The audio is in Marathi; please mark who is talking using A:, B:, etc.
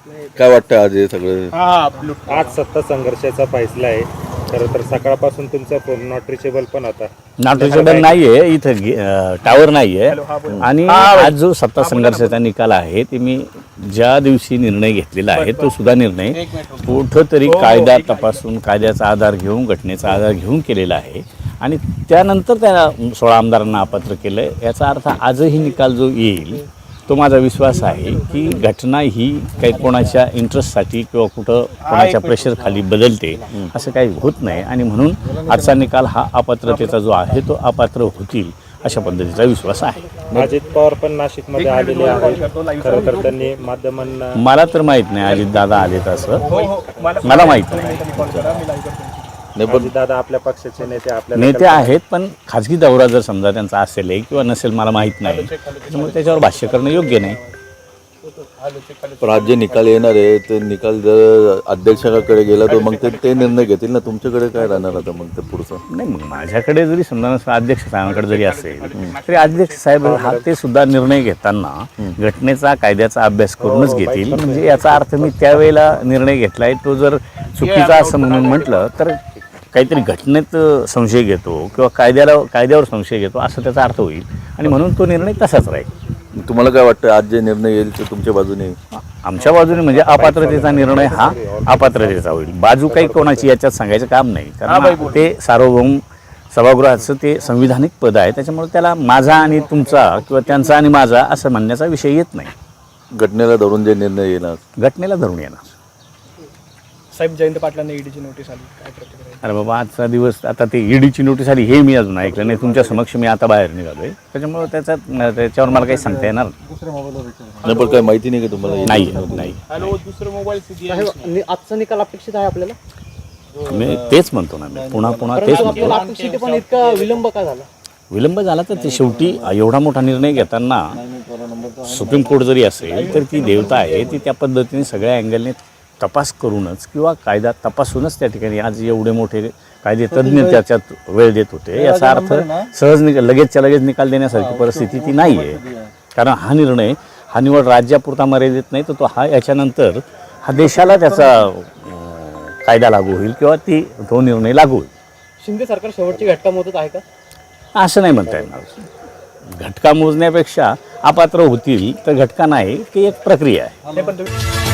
A: काय वाटतं आज हे सगळं?
B: आज सत्ता संघर्षाचा फैसला आहे. खरं तर सकाळपासून तुमचा फोन नॉट रिचेबल पण होता.
C: नॉट रिचेबल नाहीये, इथं टावर नाहीये. आणि आज जो सत्ता संघर्षाचा निकाल आहे ते मी ज्या दिवशी निर्णय घेतलेला आहे तो सुद्धा निर्णय कुठंतरी कायदा तपासून कायद्याचा आधार घेऊन घटनेचा आधार घेऊन केलेला आहे आणि त्यानंतर त्या 16 आमदारांना अपात्र केलं. याचा अर्थ आजही निकाल जो येईल तो माझा विश्वास आहे की घटना ही काही कोणाच्या इंटरेस्टसाठी किंवा कुठं कोणाच्या प्रेशरखाली बदलते असं काही होत नाही आणि म्हणून आजचा निकाल हा अपात्रतेचा जो आहे तो अपात्र होतील अशा पद्धतीचा विश्वास आहे.
B: अजित पवार पण नाशिकमध्ये आलेले आहेत. खरं तर त्यांनी माध्यमांना
C: मला तर माहीत नाही अजित दादा आलेत असं मला माहीत नाही.
B: दादा आपल्या पक्षाचे
C: नेते आहेत पण खाजगी दौरा जर समजा त्यांचा असेल किंवा नसेल मला माहीत नाही त्याच्यामुळे त्याच्यावर भाष्य करणं योग्य नाही.
A: पण आज जे निकाल येणार आहे ते निकाल जर अध्यक्षाकडे गेला तर मग ते निर्णय घेतील ना. तुमच्याकडे काय राहणार आता मग ते पुढचं?
C: नाही मग माझ्याकडे जरी समजा अध्यक्ष साहेबांकडे जरी असेल तरी अध्यक्ष साहेब हा ते सुद्धा निर्णय घेताना घटनेचा कायद्याचा अभ्यास करूनच घेतील. म्हणजे याचा अर्थ मी त्यावेळेला निर्णय घेतलाय तो जर चुकीचा असं म्हणून म्हटलं तर काहीतरी घटनेत संशय घेतो किंवा कायद्यावर संशय घेतो असं त्याचा अर्थ होईल आणि म्हणून तो निर्णय तसाच राहील.
A: तुम्हाला काय वाटतं आज जे निर्णय येईल ते तुमच्या बाजूने?
C: आमच्या बाजूने म्हणजे अपात्रतेचा निर्णय हा अपात्रतेचा होईल. बाजू काही कोणाची याच्यात सांगायचं काम नाही कारण ते सार्वभौम सभागृहाचं ते संविधानिक पद आहे त्याच्यामुळे त्याला माझा आणि तुमचा किंवा त्यांचा आणि माझा असं म्हणण्याचा विषय येत नाही.
A: घटनेला धरून जे निर्णय येणार
C: घटनेला धरून येणार.
D: साहेब जयंत पाटलांना ईडीची नोटीस आली, काय प्रतिक्रिया?
C: अरे बाबा आजचा दिवस आता ते ईडीची नोटीस आली हे मी अजून ऐकलं नाही. तुमच्या समक्ष मी आता बाहेर निघालोय त्याच्यामुळे त्याच्यावर मला काही सांगता येणार
A: नाही. पण काय माहिती नाही का तुम्हाला?
C: नाही.
D: आजचा निकाल अपेक्षित आहे आपल्याला?
C: मी तेच म्हणतो ना, मी पुन्हा तेच म्हणतो.
D: अपेक्षित पण इतका विलंब का झाला?
C: विलंब झाला तर ते शेवटी एवढा मोठा निर्णय घेताना सुप्रीम कोर्ट जरी असेल तर ती देवता आहे ती त्या पद्धतीने सगळ्या अँगलने तपास करूनच किंवा कायदा तपासूनच त्या ठिकाणी आज एवढे मोठे कायदे तज्ज्ञ त्याच्यात वेळ देत होते. याचा अर्थ सहज लगेचच्या लगेच निकाल देण्यासारखी परिस्थिती ती नाही आहे. कारण हा निर्णय हा निवड राज्यापुरता मर्यादित नाही तर तो याच्यानंतर हा देशाला त्याचा कायदा लागू होईल किंवा तो निर्णय लागू होईल.
D: शिंदे सरकार शेवटची घटका मोजत आहे का?
C: असं नाही म्हणता येणार. घटका मोजण्यापेक्षा अपात्र होतील तर घटका नाही की एक प्रक्रिया आहे.